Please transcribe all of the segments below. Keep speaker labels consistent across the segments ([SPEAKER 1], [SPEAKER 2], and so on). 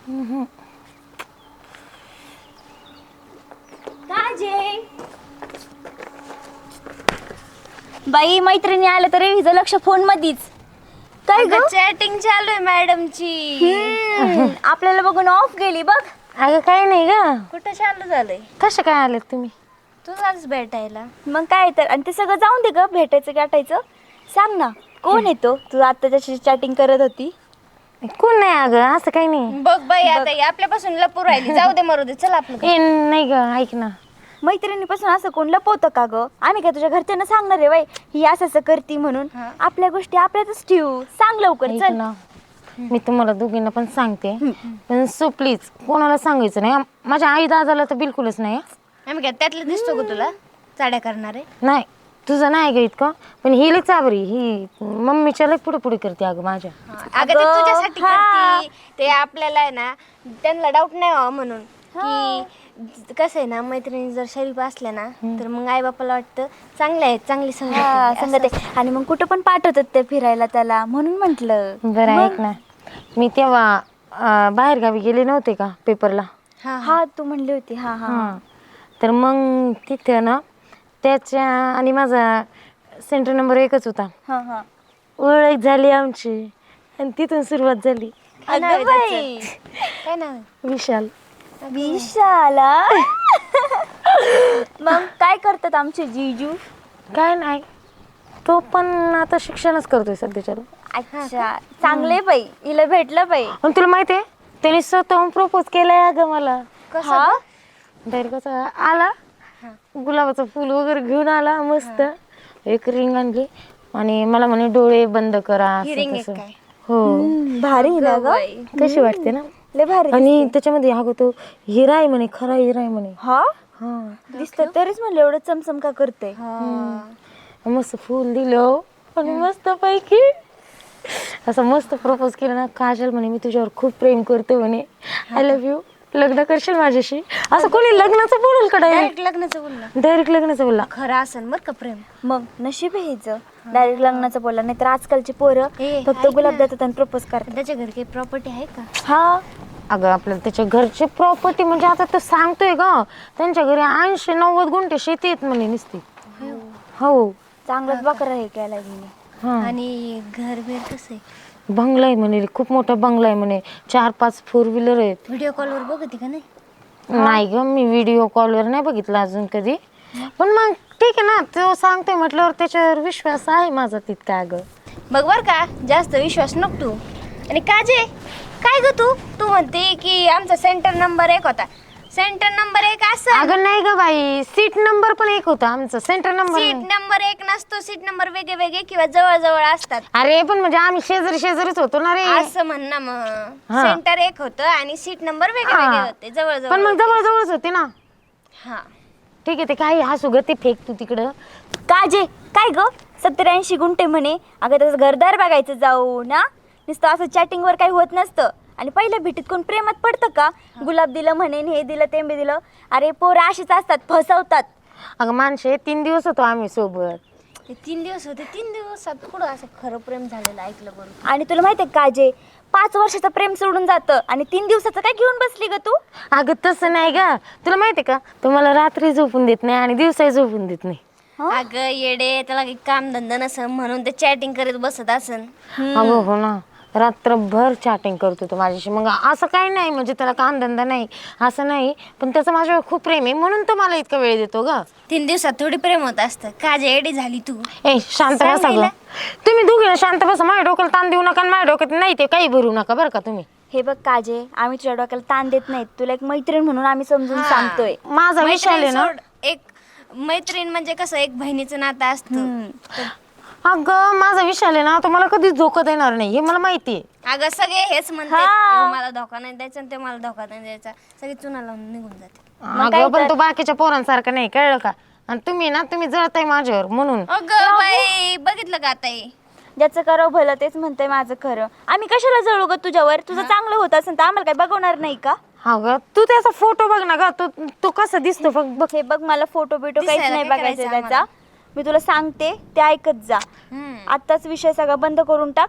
[SPEAKER 1] बाई मैत्रिणी आलं तर हिचं लक्ष फोन मध्येच. काय ग
[SPEAKER 2] चॅटिंग चालू आहे मॅडमची.
[SPEAKER 1] आपल्याला बघून ऑफ गेली बघ.
[SPEAKER 3] अगं काय नाही ग.
[SPEAKER 2] कुठं चालू झालंय?
[SPEAKER 3] कसं काय आलेत तुम्ही?
[SPEAKER 2] तूच आज भेटायला.
[SPEAKER 1] मग काय तर, आणि ते सगळं जाऊन दे ग, भेटायचं गाठायचं. सांग ना कोण येतो? तू आता त्याची चॅटिंग करत होती.
[SPEAKER 3] कोण नाही अगं, असं काही नाही.
[SPEAKER 2] बघ बाई आता ही आपल्यापासून लपू राहिली. जाऊ दे मरू दे, चल आपलं.
[SPEAKER 3] ए नाही ग, ऐक ना.
[SPEAKER 1] मैत्रिणीपासून असं कोण लपवतं का ग? आम्ही काय तुझ्या घरच्यांना सांगणार आहे बाई ही असं असं करती म्हणून? आपल्या गोष्टी आपल्यातच ठेवू. सांग लवकर
[SPEAKER 3] ऐक
[SPEAKER 1] चल
[SPEAKER 3] ना, मी तुम्हाला दोघींना पण सांगते, पण सो प्लीज कोणाला सांगायचं नाही. माझ्या आई दादाला तर बिलकुलच नाही.
[SPEAKER 2] आम्ही काय त्यातलं दिसतो का तुला चाड्या करणारे?
[SPEAKER 3] नाही तुझं नाही ग इतकं, पण ही लई चाबरी. ही मम्मीच्या लई पुढे पुढे करते अगं माझ्या.
[SPEAKER 2] अगं ते तुझ्यासाठी करती. ते आपल्याला आहे ना, त्यांना डाऊट नाही व्हावा म्हणून की कसं आहे ना, मैत्रिणी जर शरीफ असल्या ना तर मग आई बापाला वाटतं चांगले आहेत, चांगली संगत आहे,
[SPEAKER 1] सांगते. आणि मग कुठं पण पाठवतात ते फिरायला त्याला, म्हणून म्हंटल.
[SPEAKER 3] बरं ऐक ना, मी तेव्हा बाहेर गावी गेले नव्हते का पेपरला.
[SPEAKER 1] हा तू म्हणली होती. हा हा
[SPEAKER 3] हां, तर मग तिथं ना त्याच्या आणि माझा सेंटर नंबर 1च होता.
[SPEAKER 1] हा हा.
[SPEAKER 3] ओळख झाली आमची आणि तिथून सुरुवात झाली.
[SPEAKER 1] अगं बाई,
[SPEAKER 2] काय नाव आहे?
[SPEAKER 3] विशाल.
[SPEAKER 1] विशाला. मग काय करतात आमचे जीजू?
[SPEAKER 3] काय नाही, तो पण आता शिक्षणच करतोय सध्याच्या.
[SPEAKER 1] अच्छा, चांगले बाई, हिला भेटलं बाई.
[SPEAKER 3] पण तुला माहिती आहे त्याने स्वतःहून प्रपोज केलंय अगं मला.
[SPEAKER 1] हा?
[SPEAKER 3] डायरेक्ट कसं आला, गुलाबाचं फुल वगैरे घेऊन आला, मस्त एक रिंग आणली आणि मला म्हणे डोळे बंद करा असं
[SPEAKER 2] रिंग
[SPEAKER 3] तसं.
[SPEAKER 2] काय?
[SPEAKER 3] हो,
[SPEAKER 1] भारी ना ग,
[SPEAKER 3] कशी वाटते ना.
[SPEAKER 1] लय भारी.
[SPEAKER 3] आणि त्याच्यामध्ये अगं तो हिरा आहे म्हणे, खरा हिरा आहे म्हणे.
[SPEAKER 1] हा
[SPEAKER 3] हा,
[SPEAKER 1] दिसत तरीच म्हणलं एवढं चमचम का करते.
[SPEAKER 3] मस्त फुल दिलं आणि मस्त पैकी असं मस्त प्रपोज केलं ना. काजल म्हणे मी तुझ्यावर खूप प्रेम करते म्हणे, आय लव्ह यू, लग्न करशील माझ्याशी? असं कोणी लग्नाचं बोलल का?
[SPEAKER 2] डायरेक्ट लग्नाचं बोलला.
[SPEAKER 3] डायरेक्ट लग्नाचं बोलला.
[SPEAKER 2] खरं असेल बरं का प्रेम.
[SPEAKER 1] मग नशीब आहे हिचं, डायरेक्ट लग्नाचं बोलला. नाही तर आजकालची पोरं फक्त गुलाब देतात आणि प्रपोज करतात.
[SPEAKER 2] त्याच्या घरी काही प्रॉपर्टी आहे का?
[SPEAKER 1] हा
[SPEAKER 3] अगं आपल्याला त्याच्या घरची प्रॉपर्टी म्हणजे आता तो सांगतोय ग, त्यांच्या घरी 80-90 गुंठे शेती आहेत म्हणे नुसती. हो,
[SPEAKER 1] चांगलाच बकरा हे केला हिने.
[SPEAKER 3] हा,
[SPEAKER 2] आणि घर बेर कसं आहे?
[SPEAKER 3] बंगला आहे म्हणे, खूप मोठा बंगला आहे म्हणे, 4-5 4 व्हीलर आहेत.
[SPEAKER 2] व्हिडिओ कॉलवर बघते का नाही?
[SPEAKER 3] नाही ग, मी व्हिडिओ कॉलवर नाही बघितला अजून कधी. पण मग ठीक आहे ना, तो सांगतोय म्हटल्यावर त्याच्यावर विश्वास आहे माझा तितका. अगं
[SPEAKER 2] बघ बर का, जास्त विश्वास नको तू. आणि काजे काय ग तू म्हणते की आमचा सेंटर नंबर 1 होता. सेंटर नंबर 1 असं?
[SPEAKER 3] अगं नाही ग बाई, सीट नंबर पण 1 होता आमचा, सेंटर नंबर.
[SPEAKER 2] सीट नंबर 1 नसतो, सीट नंबर वेगळे वेगळे किंवा जवळ जवळ असतात.
[SPEAKER 3] अरे पण म्हणजे आम्ही शेजारीच होतो ना रे.
[SPEAKER 2] असं म्हण ना. मग सेंटर 1 होतं आणि सीट नंबर वेगळे वेगळे होते, जवळ जवळ.
[SPEAKER 3] पण मग जवळच होते ना.
[SPEAKER 2] हा
[SPEAKER 3] ठीक आहे, ते काही हसू ग, ते फेक तू तिकडं.
[SPEAKER 1] काजे काय ग, 70-80 गुंठे म्हणे. अगं त्याचं घरदार बघायचं जाऊ ना, नुसतं असं चॅटिंगवर काही होत नसतं. आणि पहिल्या भेटीत कोण प्रेमात पडतं का? गुलाब दिलं म्हणे, हे दिलं ते बी दिलं. अरे पोरं अशीच असतात, फसवतात.
[SPEAKER 3] अगं माणसे 3 दिवस होतो आम्ही सोबत.
[SPEAKER 2] ते 3 दिवस होते, 3 दिवसात कुठं असं खरं प्रेम झालेलं ऐकलं बरं?
[SPEAKER 1] आणि तुला माहिती आहे काजे, 5 वर्षाचं प्रेम सोडून जातं आणि 3 दिवसाचं काय घेऊन बसली ग तू?
[SPEAKER 3] अगं तसं नाही ग, तुला माहिती आहे का, तो मला रात्री झोपून देत नाही आणि दिवसाही झोपून देत नाही.
[SPEAKER 2] अगं येडे, त्याला काही काम धंदा नसन म्हणून ते चॅटिंग करत बसत असन.
[SPEAKER 3] अगं हो ना, रात्रभर चॅटिंग करतो तो माझ्याशी. मग असं काही नाही म्हणजे त्याला काम धंदा नाही असं नाही, पण त्याचं माझ्यावर खूप प्रेम आहे म्हणून तो मला इतका वेळ देतो ग.
[SPEAKER 2] 3 दिवसात थोडी प्रेम होत असतं. काजे येडी झाली तू.
[SPEAKER 3] ए शांत बसा ग, तुम्ही दोघे शांत बसा. माझ्या डोक्याला ताण देऊ नका आणि माझ्या डोक्यात नाही ते काही भरू नका बरं का तुम्ही.
[SPEAKER 1] हे बघ काजे, आम्ही तुझ्या डोक्याला ताण देत नाहीत, तुला एक मैत्रीण म्हणून आम्ही समजून सांगतोय.
[SPEAKER 3] माझा विशाल आहे ना,
[SPEAKER 2] एक मैत्रीण म्हणजे कसं एक बहिणीचं नातं असतं.
[SPEAKER 3] अगं माझा विशाल आहे ना, तो मला कधीच धोका देणार नाही, हे मला माहिती आहे.
[SPEAKER 2] अगं सगळे हेच म्हणतात, मला धोका नाही द्यायचा आणि ते मला धोका नाही द्यायचा. सगळी चुना लावून निघून जाते.
[SPEAKER 3] अगं पण तो बाकीच्या पोरांसारखा नाही, कळलं का? आणि तुम्ही जळताय माझ्यावर म्हणून.
[SPEAKER 2] अगं बाई, बघितलं का आता हे?
[SPEAKER 1] ज्याचं करावं भलं तेच म्हणतंय माझं खरं. आम्ही कशाला जळू ग तुझ्यावर? तुझं चांगलं होत असेल तर आम्हाला काय बघवणार नाही का?
[SPEAKER 3] हा ग, तू त्याचा फोटो बघ ना ग, तो कसा दिसतो बघ.
[SPEAKER 1] हे बघ, मला फोटो बिटो काहीच
[SPEAKER 2] दिसायला
[SPEAKER 1] नाही
[SPEAKER 2] काय
[SPEAKER 1] बघायचं
[SPEAKER 2] करायचं
[SPEAKER 1] त्याचा. मी तुला सांगते ते ऐकत जा. आत्ताच विषय सगळा बंद करून टाक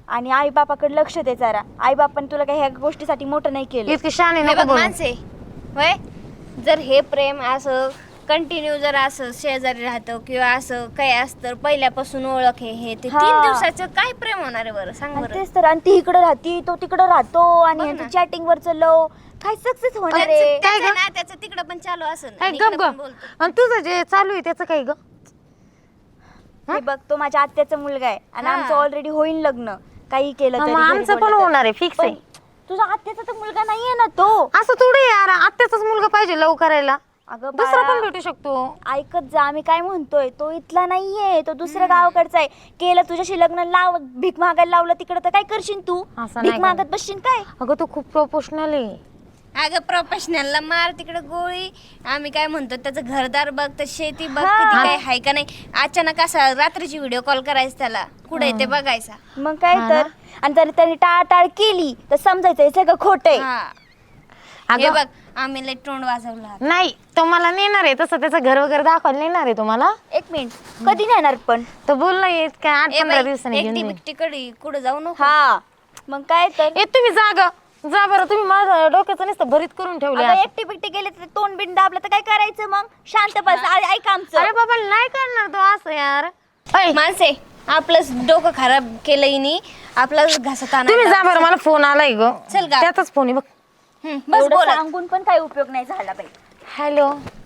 [SPEAKER 1] आणि आई बापाकडे लक्ष दे जरा. आई बापाने तुला काही ह्या गोष्टीसाठी मोठं नाही केलं.
[SPEAKER 3] इतकी शहाणी
[SPEAKER 2] हे
[SPEAKER 3] नको
[SPEAKER 2] बघ
[SPEAKER 3] बोलू.
[SPEAKER 2] माणसे होय, जर हे प्रेम असं कंटिन्यू जर असं शेजारी राहतं किंवा असं काही असतं पहिल्यापासून ओळख हे ते 3 दिवसाचं काय प्रेम होणार आहे बरं सांग
[SPEAKER 1] आणि
[SPEAKER 2] बरं.
[SPEAKER 1] तेच तर, आणि ती इकडे राहती तो तिकडे राहतो
[SPEAKER 2] बघ
[SPEAKER 1] आणि
[SPEAKER 2] ना.
[SPEAKER 1] चॅटिंग वर लव काय सक्सेस होणार आहे.
[SPEAKER 2] त्याचं ना त्याचं तिकडं पण चालू असेल
[SPEAKER 3] काय
[SPEAKER 2] आणि
[SPEAKER 3] गप
[SPEAKER 2] इकडं पण
[SPEAKER 3] ग.
[SPEAKER 2] बोलतो.
[SPEAKER 3] आणि तुझं जे चालू आहे त्याचं काय ग?
[SPEAKER 1] हे बघ तो माझ्या आत्याचा मुलगा आहे आणि
[SPEAKER 2] हा.
[SPEAKER 1] आमचं ऑलरेडी होईल लग्न. काही केलं
[SPEAKER 3] हा,
[SPEAKER 1] तरी
[SPEAKER 3] मग
[SPEAKER 1] घरी
[SPEAKER 3] आमचं पण
[SPEAKER 1] बोललं तर.
[SPEAKER 3] होणार आहे फिक्स
[SPEAKER 1] पण
[SPEAKER 3] आहे.
[SPEAKER 1] तुझा आत्याचा तर मुलगा नाहीये ना तो.
[SPEAKER 3] असं थोडी यार, आत्याचाच मुलगा पाहिजे लव करायला.
[SPEAKER 1] अगं
[SPEAKER 3] दुसरा
[SPEAKER 1] बाळा,
[SPEAKER 3] पण भेटू शकतो.
[SPEAKER 1] ऐकत जा आम्ही काय म्हणतोय. तो इथला नाहीये, तो दुसऱ्या गावाकडचा आहे. केलं तुझ्याशी लग्न, लाव भीक मागायला लावलं तिकडं तर काय करशील तू?
[SPEAKER 3] असं नाही
[SPEAKER 1] भीक मागत बसशील काय?
[SPEAKER 3] अगं तू खूप प्रोफेशनल आहे.
[SPEAKER 2] अगं प्रोफेशनलला मार तिकडे गोळी. आम्ही काय म्हणतो त्याचं घरदार बघ, तर शेती बघ,
[SPEAKER 1] हा.
[SPEAKER 2] कधी काय हाय का नाही. अचानक असा रात्रीची व्हिडिओ कॉल करायचा त्याला, कुठे ते बघायचा.
[SPEAKER 1] मग काय
[SPEAKER 3] हा
[SPEAKER 1] तर. आणि जर त्याने टाळाटाळ केली तर समजायचं हे सगळं खोटं आहे.
[SPEAKER 2] हा हे
[SPEAKER 3] अगं
[SPEAKER 2] बघ आम्ही लय तोंड वाजवला.
[SPEAKER 3] नाही, तो मला नेणार आहे तसं, त्याचं घर वगैरे दाखवायला नेणार आहे तुम्हाला.
[SPEAKER 1] 1 मिनिट, कधी नेणार पण?
[SPEAKER 3] तो बोलला येत काय 8-15 दिवसांनी घेऊन
[SPEAKER 2] एकटी
[SPEAKER 3] येईन.
[SPEAKER 2] बिकटी कडी कुठे जाऊ नको.
[SPEAKER 1] हा मग काय तर.
[SPEAKER 3] ए तुम्ही जा बरं, तुम्ही माझ्या डोक्याचं नुसतं भरीत करून ठेवले.
[SPEAKER 1] अगं एकटी बिकटी गेले तर तोंड बिंड दाबलं तर काय करायचं मग? शांत बस, ऐक आमचं.
[SPEAKER 3] अरे बाबा नाही करणार तो असं यार. ऐ,
[SPEAKER 2] माणसे आपलं डोकं खराब केलं हिनी, आपला घासत
[SPEAKER 3] तुम्ही जा बरं, मला फोन आलाय ग.
[SPEAKER 2] चल गा.
[SPEAKER 3] त्याचाच फोन आहे बघ.
[SPEAKER 2] बस
[SPEAKER 1] एवढं
[SPEAKER 2] बोला.
[SPEAKER 1] सांगून पण काही उपयोग नाही झाला बाई.
[SPEAKER 3] हॅलो,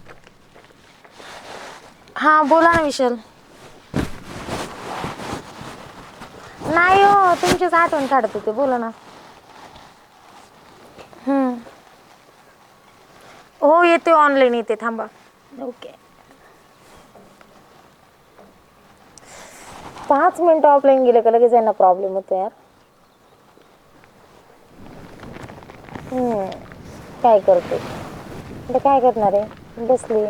[SPEAKER 3] हा बोला ना विशाल. नाही हो, तुमचीच आठवण काढत होते, बोला ना. हो येते, ऑनलाईन येते, थांबा. ओके, 5 मिनिटं ऑफलाईन गेले का लगेच यांना प्रॉब्लेम होतो यार. काय करते आता, काय करणार आहे, बसली.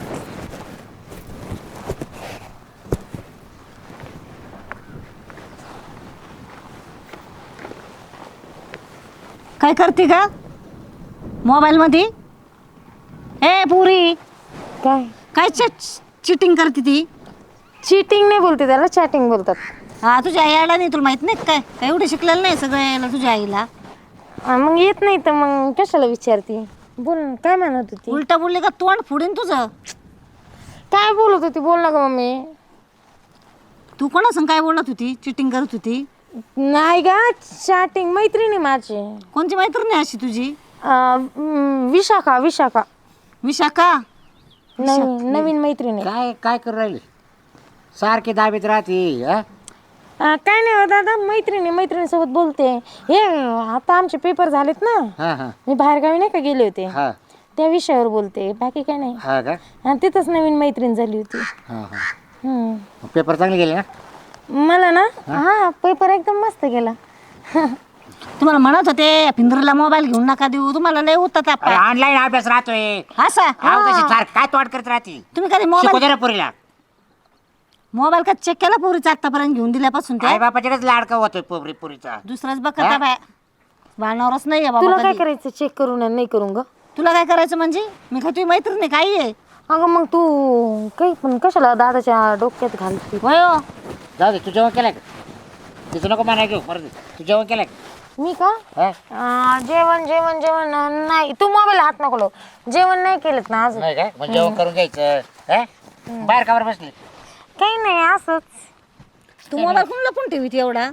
[SPEAKER 4] काय करते का मोबाईल मध्ये? ए पुरी,
[SPEAKER 3] काय
[SPEAKER 4] काय चिटिंग करते ती?
[SPEAKER 3] चीटिंग नाही बोलते त्याला, चॅटिंग बोलतात.
[SPEAKER 4] हा तुझ्या आई आला नाही, तुला माहित नाही काय? काय एवढं शिकलेलं नाही सगळं यायला तुझ्या आईला?
[SPEAKER 3] मग येत नाही तर मग कशाला विचारते? बोल ना, काय म्हणत होती?
[SPEAKER 4] उलटा बोलले का तोंड फुडेन तुझं.
[SPEAKER 3] काय बोलत होती, बोल ना ग मम्मी.
[SPEAKER 4] तू कोणासंग काय बोलत होती? चिटिंग करत होती?
[SPEAKER 3] नाही गा, चॅटिंग, मैत्रिणी माझी.
[SPEAKER 4] कोणती मैत्रीण आहे अशी तुझी?
[SPEAKER 3] विशाखा
[SPEAKER 4] विशाखा?
[SPEAKER 3] नवीन मैत्रिणी.
[SPEAKER 5] काय काय करू राहिली सारखी दाबीत राहते हा?
[SPEAKER 3] काय नाही हो दादा, मैत्रिणीसोबत बोलते. हे आता आमचे पेपर झालेत ना,
[SPEAKER 5] हा हा
[SPEAKER 3] मी बाहेरगावी नाही का गेले होते,
[SPEAKER 5] हा
[SPEAKER 3] त्या विषयावर बोलते, बाकी काय नाही.
[SPEAKER 5] हा का
[SPEAKER 3] आणि तिथंच नवीन मैत्रीण झाली होती.
[SPEAKER 5] हा हा
[SPEAKER 3] हम्म.
[SPEAKER 5] पेपर चांगले गेले ना
[SPEAKER 3] मला ना, हा पेपर एकदम मस्त गेला.
[SPEAKER 4] तुम्हाला म्हणत होते पिंजरीला मोबाईल घेऊन नका देऊ, तुम्हाला लय होता तापा.
[SPEAKER 5] ऑनलाईन अभ्यास राहतोय
[SPEAKER 4] असा
[SPEAKER 5] काय तोड करत राहते
[SPEAKER 4] तुम्ही कधी
[SPEAKER 5] शिकू
[SPEAKER 4] मोबाईल
[SPEAKER 5] दे ना पुरीला.
[SPEAKER 4] मोबाईल का चेक केला पोरीचा आतापर्यंत घेऊन दिल्यापासून
[SPEAKER 5] आई
[SPEAKER 4] ते
[SPEAKER 5] बापाच्याकडेच लाडका होतोय पुरीचा.
[SPEAKER 4] दुसराच बघता बाय बाणावरच नाही आहे
[SPEAKER 3] तुला
[SPEAKER 4] बाबा
[SPEAKER 3] काय
[SPEAKER 4] कधी.
[SPEAKER 3] करायचं, चेक करून आणि नाही करून ग?
[SPEAKER 4] तुला काय करायचं म्हणजे? मी काय तुझी मैत्रीण आहे काय आहे?
[SPEAKER 3] अगं मग तू काही पण कशाला दादाच्या डोक्यात घालते?
[SPEAKER 4] होय हो.
[SPEAKER 5] जाऊ दे, तू जेवण केलंय का? तिचं नको म्हणा घेऊ, मरू दे. तू जेवण केलंय का?
[SPEAKER 3] मी का?
[SPEAKER 5] हा?
[SPEAKER 3] जेवण नाही. तू मोबाईल हात नको लावू. जेवण नाही केलं ना अजून.
[SPEAKER 5] नाही काय मग जेवण करून घ्यायचं हा? बाहेर कावर बसली?
[SPEAKER 3] काही नाही, असंच.
[SPEAKER 4] तू मोबाईल कोण लपून ठेवीत एवढा?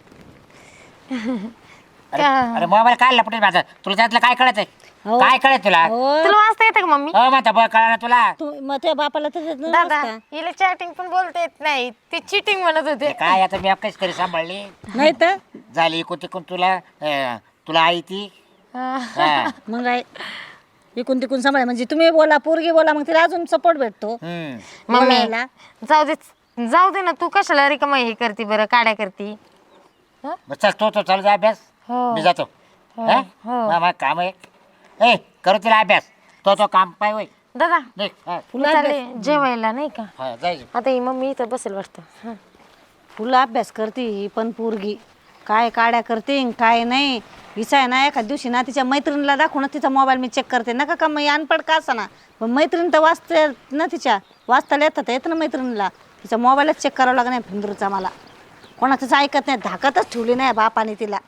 [SPEAKER 5] अरे मोबाईल काय लपटेल माझा, तुला त्यातलं काय कळत आहे?
[SPEAKER 4] हो.
[SPEAKER 5] काय कळत तुला?
[SPEAKER 4] हो.
[SPEAKER 3] तुला वाचता येतं का मम्मी?
[SPEAKER 5] हो म्हणता बघ, कळा ना तुला.
[SPEAKER 4] तू मग त्या बापाला तर देत
[SPEAKER 3] दादा,
[SPEAKER 4] नसता.
[SPEAKER 3] हिला चॅटिंग पण बोलता येत नाही, ती चिटिंग म्हणत होते.
[SPEAKER 5] हे काय आता मी कशी तरी सांभाळली
[SPEAKER 4] नाही तर
[SPEAKER 5] झाली इकून तिकून तुला तुला आई ती हा.
[SPEAKER 4] मग काय इकून तिकून सांभाळ म्हणजे तुम्ही बोला पोरगी बोला मग तिला अजून सपोर्ट भेटतो
[SPEAKER 5] हम्म.
[SPEAKER 3] मम्मी
[SPEAKER 4] बोलायला.
[SPEAKER 3] जाऊ दे ना, तू कशाला रिकामा हे करते बरं, काड्या करते?
[SPEAKER 5] मग चल तो चालू जा अभ्यास,
[SPEAKER 3] हो.
[SPEAKER 5] मी जातो. हा? मग काम आहे ए करू तिला अभ्यास, तो काम पाय होय.
[SPEAKER 3] दादा,
[SPEAKER 5] निघ. हा.
[SPEAKER 3] मी चालले जेवायला नाही का?
[SPEAKER 5] हा, जायचं.
[SPEAKER 3] आता ही मम्मी इथं बसेल वाटतं.
[SPEAKER 4] फुलं अभ्यास करते ही पण पोरगी काय काड्या करते न काय नाही. हिचा आहे ना एखाद दिवशी ना तिच्या मैत्रिणीला दाखवून तिचा मोबाईल मी चेक करते नका का मग अनपड का असा ना, पण मैत्रीण तर वाचते ना, तिच्या वाचताला येतात येतं ना मैत्रिणीला, तिचा मोबाईलच चेक करावा लागणार फिंदूरचा मला. कोणाचंच ऐकत नाही, धाकतच ठेवली नाही बापाने तिला.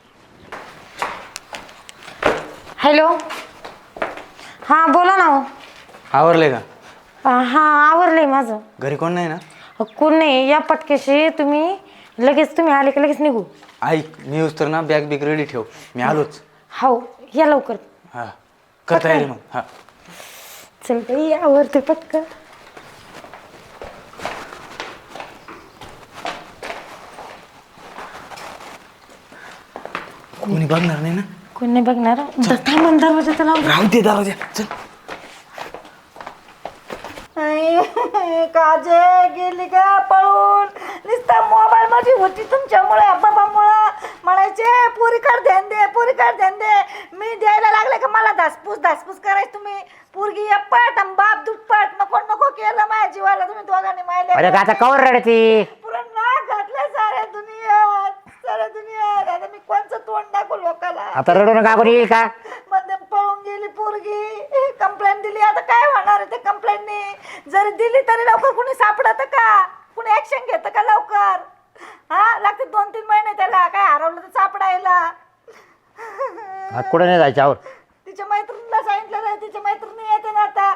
[SPEAKER 3] हॅलो, हां बोला ना हो.
[SPEAKER 6] आवरले का?
[SPEAKER 3] हां आवरलंय माझं.
[SPEAKER 6] घरी कोण नाही ना?
[SPEAKER 3] कोण नाही, या पटकेशी तुम्ही लगेच, तुम्ही आले की लगेच निघू.
[SPEAKER 6] ऐक, मी येऊस तर ना बॅग बिग रेडी ठेव, मी आलोच.
[SPEAKER 3] हो या लवकर.
[SPEAKER 6] हा कर तयारी मग. हा
[SPEAKER 3] चल बाई आवरते पटकन.
[SPEAKER 6] कोणी बघणार नाही ना?
[SPEAKER 3] कोण नाही बघणार. थांबून दरवाजा लावून.
[SPEAKER 6] राहू दे दरवाजा. चल
[SPEAKER 4] काजे गेली का पळून? नुसता मोबाईल मध्ये होती तुमच्यामुळे, बाबामुळं. म्हणायचे पोरीकडे ध्यान दे, पोरीकडे ध्यान दे. मी द्यायला लागले का मला धासपूस करायची तुम्ही. पोरगी एप्पट आणि बाप दुप्पट. नको नको केलं माझ्या जीवाला तुम्ही दोघांनी.
[SPEAKER 5] अरे
[SPEAKER 4] मायले
[SPEAKER 5] का आता कवर रडती?
[SPEAKER 4] पुरण नाक घातलं साऱ्या दुनियात. आता मी कोणचं तोंड दाखवू लोकाला?
[SPEAKER 5] आता रडू नका, कोणी येईल का?
[SPEAKER 4] मध्ये पळून गेली पोरगी. कंप्लेंट दिली, आता काय होणार आहे ते कंप्लेंटनी? जरी दिली तरी लवकर कुणी सापडत का? कुणी ऍक्शन घेतं का लवकर? हा लागते 2-3 महिने त्याला. काय हरवलं तर सापडायला.
[SPEAKER 5] कुठे नाही जायचं आवर.
[SPEAKER 4] तिच्या मैत्रिणीला सांगितलं नाही, तिच्या मैत्रिणी येते ना आता.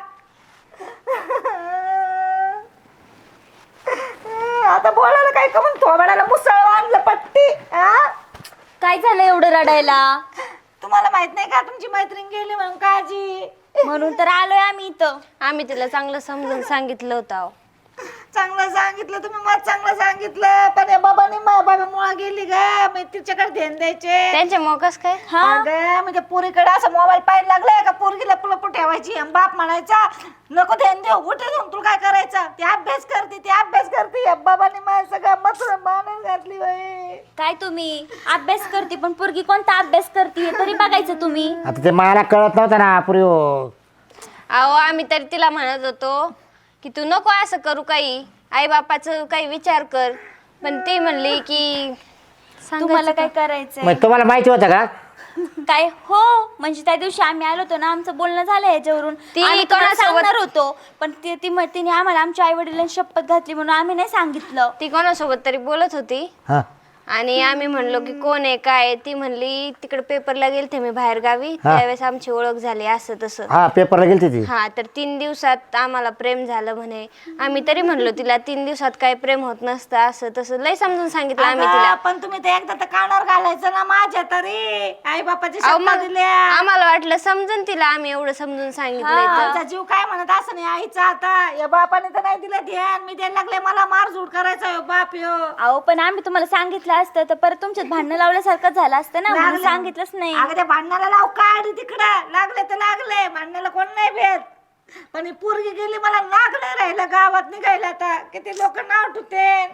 [SPEAKER 4] आता बोलायला काय का म्हणून थोबाडाला मुसळ आणलं पट्टी. हा
[SPEAKER 1] काय झालं एवढं रडायला?
[SPEAKER 4] तुम्हाला माहित नाही का तुमची मैत्रीण गेली म्हणून काळजी?
[SPEAKER 1] म्हणून तर आलोय आम्ही इथं.
[SPEAKER 2] आम्ही तिला चांगलं समजून सांगितलं होतं अहो.
[SPEAKER 4] चांगलं सांगितलं तुम्ही, मग चांगलं सांगितलं. पण या बाबाने बाबामुळे गेली ग. मी तिच्याकडे ध्यान द्यायचे.
[SPEAKER 2] त्यांच्या मोकस काय
[SPEAKER 4] अगं म्हणजे पोरीकडे असं मोबाईल पाहायला लागलाय का पोरगीला पुलपू ठेवायची आणि बाप म्हणायचा नको ध्यान देऊ, उठे जाऊन तुला काय करायचं? ते अभ्यास करते. या बाबाने माझ्या सगळं मथुरा मानून घातली बाई.
[SPEAKER 1] काय तुम्ही अभ्यास करते, पण पोरगी कोणता अभ्यास करते हे तरी बघायचं तुम्ही.
[SPEAKER 5] आता ते मला कळत नव्हतं ना पूर्वी.
[SPEAKER 2] अहो आम्ही तरी तिला म्हणत होतो की तू नको असं करू, काही आई बापाचं काही विचार कर. पण ती म्हणली की
[SPEAKER 1] तुम्हाला काय करायचंय?
[SPEAKER 5] मग तुम्हाला माहिती होतं का?
[SPEAKER 1] काय हो, म्हणजे त्या दिवशी आम्ही आलो होतो ना, आमचं बोलणं झालं याच्यावरून.
[SPEAKER 2] ती
[SPEAKER 1] आम्ही तुम्हाला
[SPEAKER 2] कोणासोबत-
[SPEAKER 1] सांगणार होतो, पण तिने आम्हाला आमच्या आई वडिलांनी शपथ घातली म्हणून आम्ही नाही सांगितलं.
[SPEAKER 2] ती कोणासोबत तरी बोलत होती
[SPEAKER 5] हा
[SPEAKER 2] आणि आम्ही म्हणलो की कोण आहे काय? ती म्हणली तिकडे पेपरला गेलते मी बाहेर गावी, त्यावेळेस आमची ओळख झाली असं तसं.
[SPEAKER 5] हा पेपरला गेलती ती.
[SPEAKER 2] हा तर 3 दिवसात आम्हाला प्रेम झालं म्हणे. आम्ही तरी म्हणलो तिला 3 दिवसात काय प्रेम होत नसतं असं तसं लय समजून सांगितलं आम्ही तिला.
[SPEAKER 4] अगं, पण तुम्ही ते एकदा तर कानावर घालायचं ना माझ्या तरी. आई बापाची
[SPEAKER 2] अहो,
[SPEAKER 4] शब्द
[SPEAKER 2] मग
[SPEAKER 4] दिल्या.
[SPEAKER 2] आम्हाला वाटलं समजून तिला, आम्ही एवढं समजून सांगितलंय तर.
[SPEAKER 4] आमचा जीव काय म्हणत असं नाही आईचा. आता या बापाने तर नाही दिलं ध्यान. मी द्यायला लागले, मला मारझूड करायचा ह्यो बाप ह्यो.
[SPEAKER 1] अहो पण आम्ही तुम्हाला सांगितलं असतं तर परत तुमच्यात भांडणं लावल्यासारखं झालं असतं ना, म्हणून सांगितलंच नाही.
[SPEAKER 4] अगं त्या भांडणाला लाव काढ तिकडं. लागले तर लागले, भांडणाला कोण नाही भेट. पण ही पोरगी गेली, मला लागलं राहिलं गावात निघायला. आता किती लोक नाव ठुते.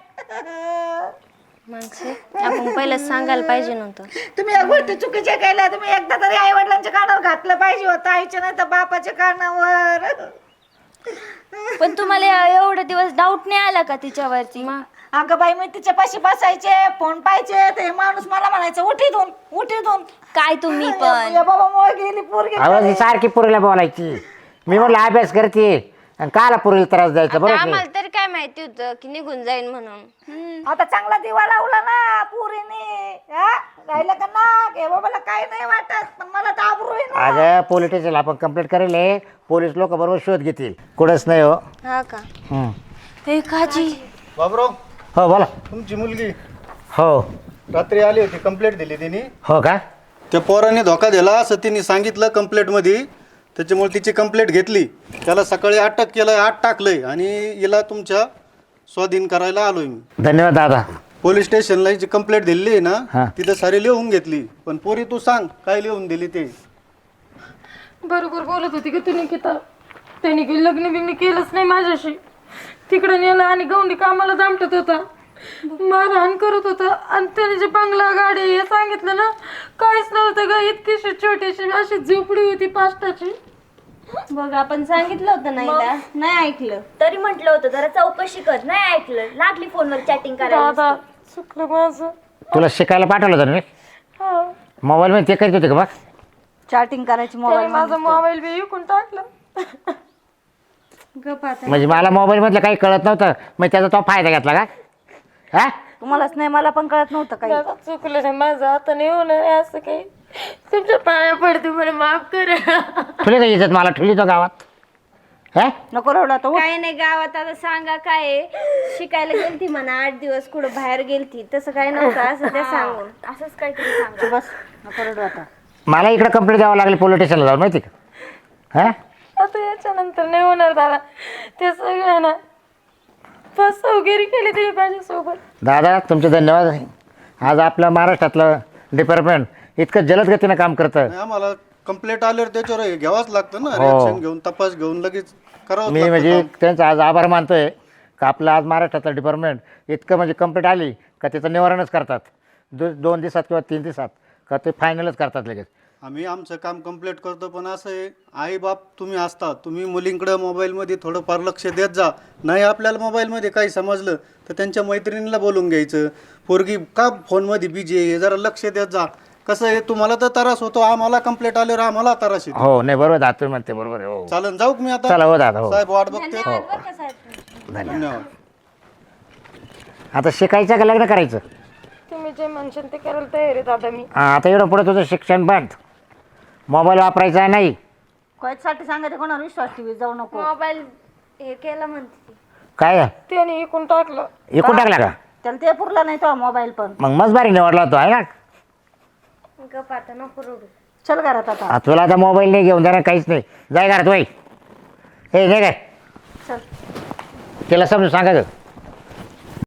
[SPEAKER 2] माणसे आपण पहिलं सांगायला पाहिजे नव्हतं.
[SPEAKER 4] तुम्ही या गोष्टी चुकीच्या केल्या. तुम्ही एकदा तरी आई वडिलांच्या कानावर घातलं पाहिजे होतं, आईच्या नाही तर बापाच्या कानावर.
[SPEAKER 1] पण तुम्हाला एवढे दिवस डाऊट नाही आला का तिच्यावरती?
[SPEAKER 4] अगं बाई, मी तिच्या पाशी बसायचे, फोन पाहिजे. ते माणूस मला म्हणायचं उठीतून.
[SPEAKER 1] काय तुम्ही पण
[SPEAKER 4] या बाबा मुळे गेली पोरगी.
[SPEAKER 5] आवाज ही सारखी पुरीला बोलायची. मी म्हणलं अभ्यास करते आणि काला पुरीला त्रास द्यायचा.
[SPEAKER 2] आता
[SPEAKER 5] बरोबर
[SPEAKER 2] आम्हाला तरी काय माहिती होतं की निघून जाईन म्हणून.
[SPEAKER 4] आता चांगला दिवा लावला ना पुरीने. राहिलं का ना या बाबाला काय नाही वाटत, पण मला तर आबरू आहे ना.
[SPEAKER 5] अगं पोलीस स्टेशनला आपण कंप्लेंट करेल. पोलीस लोक बरोबर शोध घेतील. कुठंच नाही हो.
[SPEAKER 2] हा का?
[SPEAKER 5] हम्म.
[SPEAKER 1] हे काजी
[SPEAKER 7] बाबराव,
[SPEAKER 5] हो बोला.
[SPEAKER 7] तुमची मुलगी
[SPEAKER 5] हो
[SPEAKER 7] रात्री आली होती, कंप्लेंट दिली तिने.
[SPEAKER 5] हो का?
[SPEAKER 7] त्या पोराने धोका दिला असं तिने सांगितलं कंप्लेंटमध्ये. त्याच्यामुळे तिची कंप्लेंट घेतली. त्याला सकाळी अटक केलं, आत टाकलंय आणि हिला तुमच्या स्वाधीन करायला आलोय मी.
[SPEAKER 5] धन्यवाद दादा.
[SPEAKER 7] पोलीस स्टेशनला जी कंप्लेंट दिली आहे
[SPEAKER 5] हा.
[SPEAKER 7] ना, तिथं सारी लिहून घेतली. पण पोरी तू सांग काय लिहून दिली ते.
[SPEAKER 3] बरोबर बोलत होती की तू निकिता. त्याने काही लग्न बिग्न केलंच नाही माझ्याशी. तिकडे नेलं आणि गौंडी कामाला जामटत होता, मारहाण करत होता. आणि त्याने जे बंगला गाडी हे सांगितलं ना, काहीच नव्हतं ग. इतकीशी छोटीशी अशी झोपडी होती पाष्टाची.
[SPEAKER 2] बघ आपण सांगितलं होतं ना हिला, नाही ऐकलं.
[SPEAKER 1] तरी म्हटलं होतं जरा चौकशी कर, नाही ऐकलं. लागली फोनवर चॅटिंग करायला.
[SPEAKER 3] दादा चुकलं माझं.
[SPEAKER 5] तुला शिकायला पाठवलं होतं ना मी.
[SPEAKER 3] हा.
[SPEAKER 5] मोबाईल मध्ये ते करीत होते का बघ.
[SPEAKER 4] चॅटिंग करायची
[SPEAKER 3] त्याने
[SPEAKER 4] मोबाईल.
[SPEAKER 3] माझा मोबाईल बी विकून टाकला.
[SPEAKER 5] म्हणजे मला मोबाईल मधलं काही कळत नव्हतं, मग त्याचा तो फायदा घेतला का? हा
[SPEAKER 4] तुम्हालाच नाही, मला पण कळत नव्हतं काही.
[SPEAKER 3] दादा चुकलं नाही माझं, आता नाही होणार आहे असं काही. तुमच्या पाया पडते, मला माफ करा.
[SPEAKER 5] ठुली का इज्जत मला ठुली तो गावात हा
[SPEAKER 4] नको रडू आता, उठ.
[SPEAKER 2] काय नाही गावात आता सांगा काय आहे. शिकायला गेलती म्हणा 8 दिवस कुठं बाहेर गेलती, तसं काय नव्हतं असं ते सांगून.
[SPEAKER 1] असंच काहीतरी सांगा.
[SPEAKER 4] तू बस, नको रडू आता.
[SPEAKER 5] मला इकडे कंप्लेंट द्यावं लागली पोलीस स्टेशनला जाऊन माहिती का हा
[SPEAKER 3] आता याच्यानंतर नाही होणार दादा. ते सगळं ना फसवगिरी केली तरी माझ्यासोबत.
[SPEAKER 5] दादा तुमचे धन्यवाद. आज आपल्या महाराष्ट्रातलं डिपार्टमेंट इतकं जलद गतीनं काम करतं.
[SPEAKER 7] आणि आम्हाला कंप्लेंट आल्यावर त्याच्यावर हे घ्यावंच लागतं ना,
[SPEAKER 5] हो.
[SPEAKER 7] रिएक्शन घेऊन तपास घेऊन लगेच करावं
[SPEAKER 5] मी म्हणजे त्यांचा आज आभार मानतोय का आपलं आज महाराष्ट्रातलं डिपार्टमेंट इतकं म्हणजे कंप्लेंट आली का त्याचं निवारणच करतात. 2 दिवसात किंवा 3 दिवसात का ते फायनलच करतात लगेच.
[SPEAKER 7] आम्ही आमचं काम कंप्लीट करतो, पण असं आहे आई बाप तुम्ही असता, तुम्ही मुलींकडे मोबाईलमध्ये थोडंफार लक्ष देत जा. नाही आपल्याला मोबाईलमध्ये काही समजलं तर त्यांच्या मैत्रिणीला बोलून घ्यायचं, पोरगी का फोनमध्ये बिजी आहे हे जरा लक्ष देत जा. कसं आहे तुम्हाला तर त्रास होतो, आम्हाला कंप्लेंट आल्यावर आम्हाला त्रास येतो.
[SPEAKER 5] हो नाही बरोबर दादा तुम्ही म्हणते बरोबर आहे. हो
[SPEAKER 7] चालन जाऊ का मी आता?
[SPEAKER 5] चला हो दादा हो
[SPEAKER 7] साहेब वाट बघते.
[SPEAKER 5] धन्यवाद.
[SPEAKER 7] धन्यवाद.
[SPEAKER 5] आता शिकायचं का लग्न करायचं?
[SPEAKER 3] तुम्ही जे म्हणशाल ते करायला तयार आहे दादा मी.
[SPEAKER 5] हा, आता एवढं पुढे तुझं शिक्षण बंद, मोबाईल वापरायचा नाही.
[SPEAKER 4] कोणासाठी सांगायचं, कोणावर विश्वास ठेवी जाऊ नको.
[SPEAKER 2] मोबाईल हे केलं म्हणते ती.
[SPEAKER 5] काय
[SPEAKER 3] त्याने इकून टाकलं.
[SPEAKER 5] एकूण टाकला का?
[SPEAKER 4] त्याला ते पुरला नाही तो मोबाईल पण.
[SPEAKER 5] मग मस्त भारी निवडला होतो आहे ना.
[SPEAKER 2] गप आता नको रडू.
[SPEAKER 4] चल घरात आता.
[SPEAKER 5] आ, तुला आता मोबाईल नाही घेऊन जाणार काहीच नाही. जाय घरात वय हे नाही काय
[SPEAKER 4] चल.
[SPEAKER 5] त्याला समजून सांगायचं.